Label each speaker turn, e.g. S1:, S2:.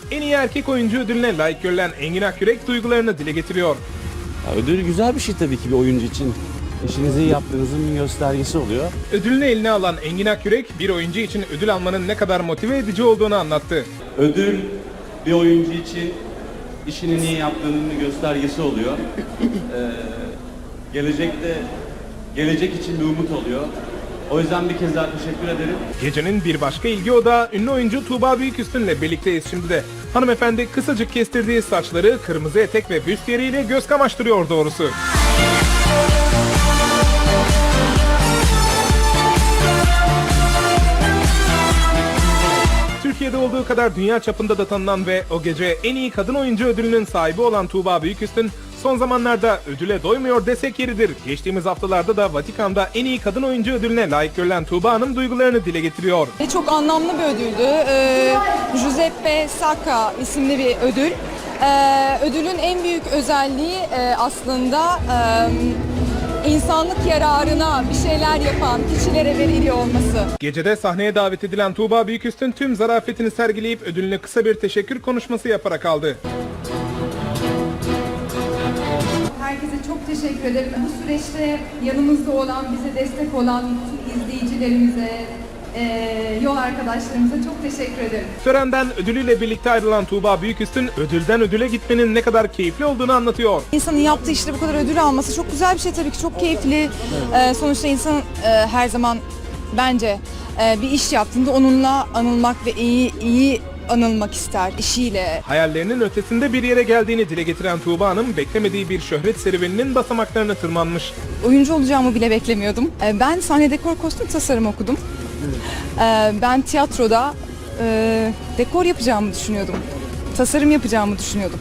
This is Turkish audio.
S1: en iyi erkek oyuncu ödülüne layık görülen Engin Akyürek duygularını dile getiriyor.
S2: Ya, ödül güzel bir şey tabii ki bir oyuncu için. İşinizi iyi yaptığınızın bir göstergesi oluyor.
S1: Ödülünü eline alan Engin Akyürek, bir oyuncu için ödül almanın ne kadar motive edici olduğunu anlattı.
S2: Ödül bir oyuncu için işinin iyi yaptığının bir göstergesi oluyor. Gelecek için bir umut oluyor. O yüzden bir kez daha teşekkür ederim.
S1: Gecenin bir başka ilgi odağı ünlü oyuncu Tuğba Büyüküstün'le birlikteyiz şimdi de. Hanımefendi kısacık kestirdiği saçları kırmızı etek ve büstiyeriyle göz kamaştırıyor doğrusu. Türkiye'de olduğu kadar dünya çapında da tanınan ve o gece en iyi kadın oyuncu ödülünün sahibi olan Tuğba Büyüküstün son zamanlarda ödüle doymuyor desek yeridir. Geçtiğimiz haftalarda da Vatikan'da en iyi kadın oyuncu ödülüne layık görülen Tuğba Hanım duygularını dile getiriyor.
S3: Çok anlamlı bir ödüldü. Giuseppe Sacca isimli bir ödül. Ödülün en büyük özelliği aslında insanlık yararına bir şeyler yapan kişilere veriliyor olması.
S1: Gecede sahneye davet edilen Tuğba Büyüküstün tüm zarafetini sergileyip ödülüne kısa bir teşekkür konuşması yaparak aldı.
S4: Herkese çok teşekkür ederim. Bu süreçte yanımızda olan, bize destek olan tüm izleyicilerimize, yol arkadaşlarımıza çok teşekkür ederim.
S1: Törenden ödülüyle birlikte ayrılan Tuğba Büyüküstün ödülden ödüle gitmenin ne kadar keyifli olduğunu anlatıyor.
S3: İnsanın yaptığı işte bu kadar ödül alması çok güzel bir şey tabii ki, çok keyifli. Sonuçta insan her zaman bence bir iş yaptığında onunla anılmak ve iyi anılmak ister işiyle.
S1: Hayallerinin ötesinde bir yere geldiğini dile getiren Tuğba Hanım beklemediği bir şöhret serüveninin basamaklarını tırmanmış.
S3: Oyuncu olacağımı bile beklemiyordum. Ben sahne dekor kostüm tasarımı okudum. Ben tiyatroda dekor yapacağımı düşünüyordum. Tasarım yapacağımı düşünüyordum.